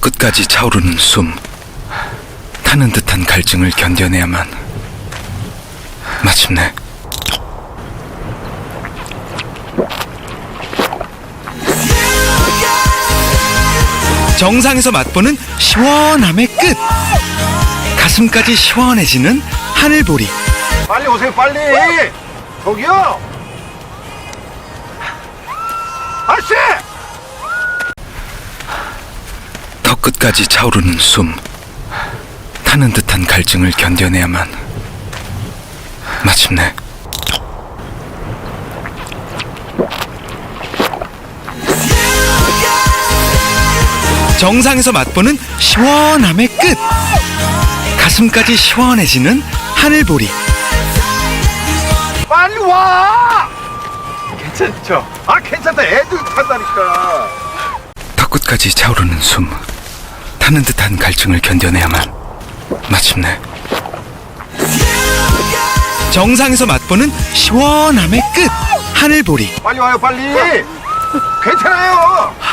끝까지 차오르는 숨, 타는 듯한 갈증을 견뎌내야만 마침내 정상에서 맛보는 시원함의 끝, 가슴까지 시원해지는 하늘보리. 빨리 오세요, 빨리. 저기요. 아저씨. 턱 끝까지 차오르는 숨, 타는 듯한 갈증을 견뎌내야만 마침내 정상에서 맛보는 시원함의 끝, 가슴까지 시원해지는 하늘보리. 빨리 와. 괜찮죠? 아, 괜찮다. 애들 탄다니까. 턱 끝까지 차오르는 숨, 타는 듯한 갈증을 견뎌내야만 마침내 정상에서 맛보는 시원함의 끝, 하늘보리. 빨리 와요, 빨리. 괜찮아요.